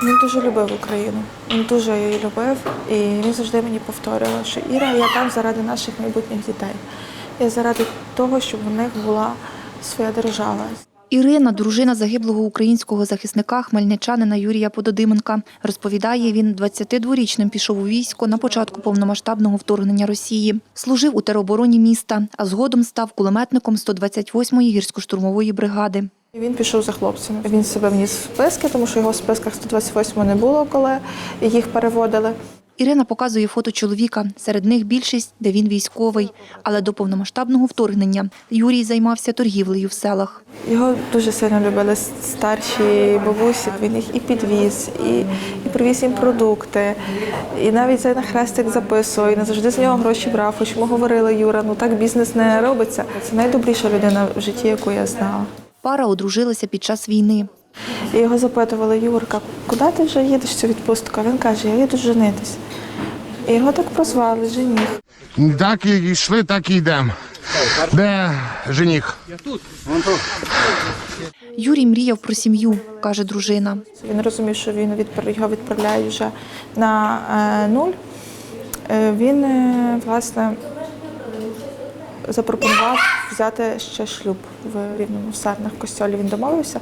Він дуже любив Україну, він дуже її любив, і він завжди мені повторював, що Іра, я там заради наших майбутніх дітей. Я заради того, щоб у них була своя держава. Ірина – дружина загиблого українського захисника, хмельничанина Юрія Пододименка. Розповідає, він 22-річним пішов у військо на початку повномасштабного вторгнення Росії. Служив у теробороні міста, а згодом став кулеметником 128-ї гірсько-штурмової бригади. Він пішов за хлопцями. Він себе вніс в списки, тому що його в списках 128-го не було, коли їх переводили. Ірина показує фото чоловіка. Серед них більшість, де він військовий. Але до повномасштабного вторгнення Юрій займався торгівлею в селах. Його дуже сильно любили старші бабусі. Він їх і підвіз, і привіз їм продукти. І навіть на хрестик записував, і не завжди з нього гроші брав. Хоч ми говорили, Юра, ну так бізнес не робиться. Це найдобріша людина в житті, яку я знала. Пара одружилася під час війни. І його запитували: Юрка, куди ти вже їдеш цю відпустку? А він каже: я їду женитись. І його так прозвали жених. Так і йшли, так і йдемо. Де жених? Юрій мріяв про сім'ю, каже дружина. Він розумів, що його відправляють вже на нуль. Він, власне, запропонував взяти ще шлюб в Рівному, в Сарнах, в Костьолі. Він домовився.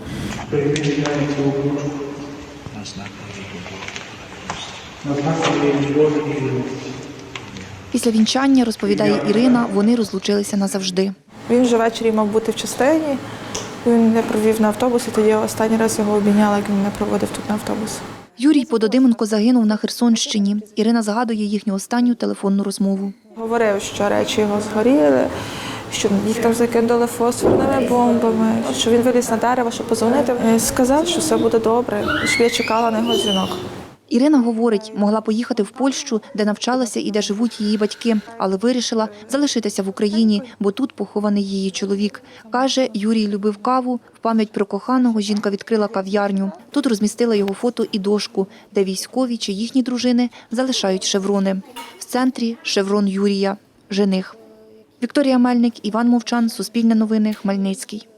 Після вінчання, розповідає Ірина, вони розлучилися назавжди. Він вже ввечері мав бути в частині. Він не провів на автобусі, тоді я останній раз його обійняла, як він не проводив тут на автобус. Юрій Пододименко загинув на Херсонщині. Ірина згадує їхню останню телефонну розмову. Говорив, що речі його згоріли, що їх там закидали фосфорними бомбами, що він виліз на дерево, щоб подзвонити. Сказав, що все буде добре, щоб я чекала на його дзвінок. Ірина говорить, могла поїхати в Польщу, де навчалася і де живуть її батьки, але вирішила залишитися в Україні, бо тут похований її чоловік. Каже, Юрій любив каву, в пам'ять про коханого жінка відкрила кав'ярню. Тут розмістила його фото і дошку, де військові чи їхні дружини залишають шеврони. В центрі шеврон Юрія – жених. Вікторія Мельник, Іван Мовчан, Суспільне новини, Хмельницький.